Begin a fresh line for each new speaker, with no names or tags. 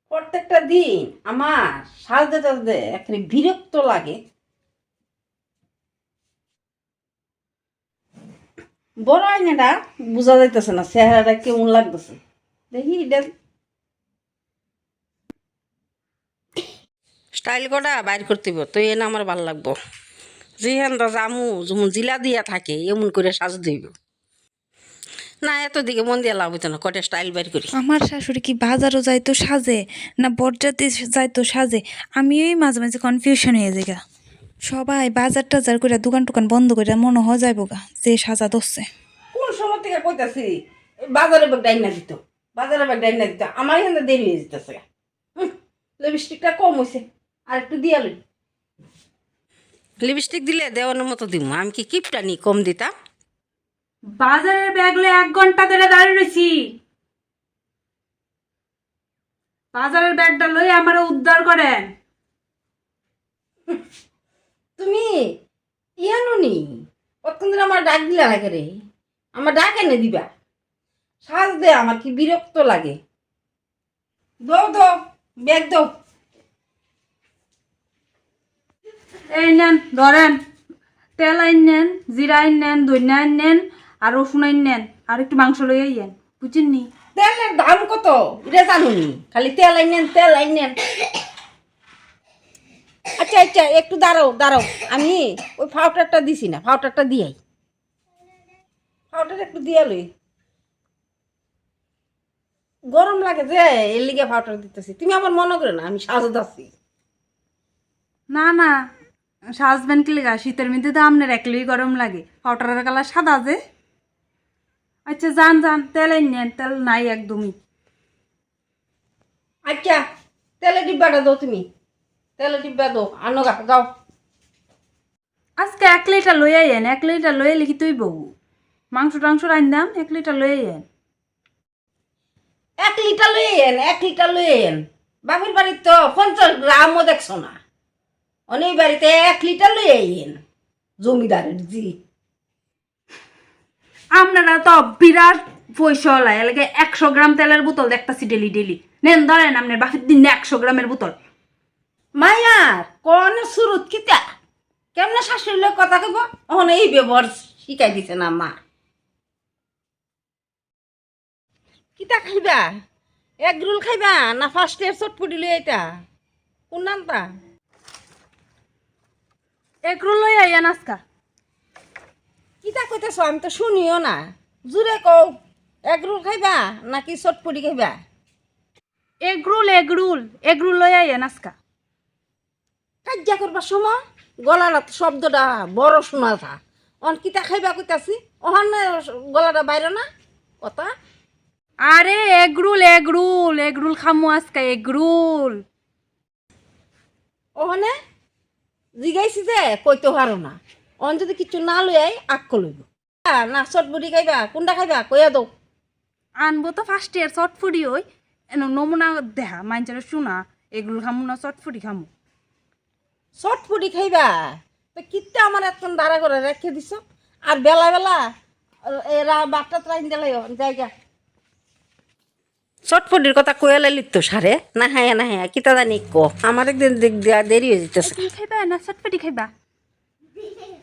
প্রত্যেকটা দিন আমার সাজতে সাজতে এখানে বিরক্ত লাগে। বড় আয়নাটা বোঝা যাইতেছে না, চেহারাটা কেমন লাগতেছে। দেখি স্টাইল করা বাইর করতে হইব, তো এনে আমার ভাল লাগবো। যেহেন জামু যেমন জিলা দিয়া থাকে এমন করে সাজ দিব না, এত দিকে মন দিয়ে লাভ হইতো না, কটা স্টাইল বাইর করি।
আমার শাশুড়ি কি বাজারও যাইতো সাজে না বরযাত্রী যাইতো সাজে, আমিই মাঝে মাঝে কনফিউশন হয়ে যাই গা। সবাই বাজার টাজার করে দোকান টোকান বন্ধ করে মনে হয় যাইব গা যে সাজা ধরছে।
কোন সময় থেকে কইতাছি বাজারে ব্যাগ ডাইনা দিত, বাজারে ব্যাগ ডাইনা দিত, আমার এখানে দেরি হয়ে যেতেছে। লিপস্টিকটা কম হয়েছে, আর একটু দিয়া লই। লিপস্টিক দিলে দেওয়ানোর মতো দিব, আমি কি কিপটা নি কম দিতাম।
বাজারের ব্যাগ লয়ে 1 ঘন্টা ধরে দাঁড়িয়ে রয়েছি। বাজারের ব্যাগটা লই আমার উদ্ধার করেন।
তুমি ইয়ানো নি কতক্ষণ দিন আমার ডাক দিলা লাগে রে, আমার ডাক এনে দিবা। সাজ দে আমার কি বিরক্ত লাগে। দাও দাও ব্যাগ দাও।
এই নেন ধরেন, তেল আইন নেন, জিরা আইন নেন, ধনিয়া আইন নেন, আর রসুন আইন নেন, আর একটু মাংস লই আইয়েন, বুঝছেন নি?
তেলের দাম কত এটা জানুনি, খালি তেল আইনেন তেল আইনেন। আচ্ছা আচ্ছা একটু দাঁড়াও দাঁড়াও, আমি ওই ফাউটারটা দিছি না, ফাউটারটা দিয়াই, ফাউটার একটু দিয়া লই। গরম লাগে যে এর লিগে ফাউটার দিতেছি, তুমি আমার মনে করে না আমি সাজত আছি।
না না, সাজবেন কি লেগা? শীতের মধ্যে তো আপনার একলই গরম লাগে, পাউডারের কালার সাদা যে। আচ্ছা যান যান, তেল আইন নেন, তেল নাই একদমই।
আচ্ছা তেলের ডিব্বাটা দাও, তুমি তেলের ডিব্বা দাও, আনো গা যাও।
আজকে 1 লিটার লই আইয়েন, 1 লিটার লই আইলে কি তুই বউ? মাংস টাংস রাইন দাম, 1 লিটার লই আইয়েন।
1 লিটার লই এন, 1 লিটার লই এন। বাপের বাড়ির তো 50 গ্রামও দেখছো না, অনেক বাড়িতে 1 লিটার লই আইন জমিদারের জি।
আপনারা তো বিরাট পয়সা লাই এলাকে 100 গ্রাম তেলের বোতল দেখতাছি ডেলি ডেলি। নেন ধরেন আপনার বাপের দিন 100 গ্রামের বোতল।
মায়ার কোন সুরত কিতা কেমনে শাশুড়ির লোক কথা কইব, ওখান এই ব্যবহার শিখাই দিছে না মা। কিতা খাইবা, এগ রোল খাইবা না ফার্স্ট ইয়ার চটপটি লই আইতা, কোন নামটা?
এগরোল লই আইয়েন আজকা।
কিতা কইতেছ আমি তো শুনিও না, জুড়ে কও। এগ রোল খাইবা নাকি চটপটি খাইবা?
এগরোল এগরোল এগরোল লই আইয়েন আজকা।
কাজ্যা করবার সময় গলাটা শব্দটা বড় শোনা থা, অন কিতা খাইবা কইতাছি, ওখান গলাটা বাইরে না কথা।
আরে এগরোল এগরোল এগরোল খামু আজকা এগরোল।
ওখানে জিগাইছি যে কইতে পারো না, অন যদি কিছু না লই আই আক্ক লইব। না চটপটি খাইবা কোনটা খাইবা কইয়া দাও।
আনবো তো ফার্স্ট ইয়ার চটফুটি ওই এন নমুনা দেখা মাইনচারে শোনা এগরোল খামু না চটফুটি খামু।
চটপটি খাইবা তো কিত্তে আমার এখন দাঁড়া করে রেখে দিছ, আর বেলা বেলা এরা বাটটা ট্রাইন দিলাই জায়গা। চটপটির কথা কয়ে লাইলি তো সারে না, হ্যাঁ না হ্যাঁ কিতা জানি ক, আমার একদিন দেরি হয়ে যেতেছে।
এগরোল খাইবা না চটফুটি খাইবা?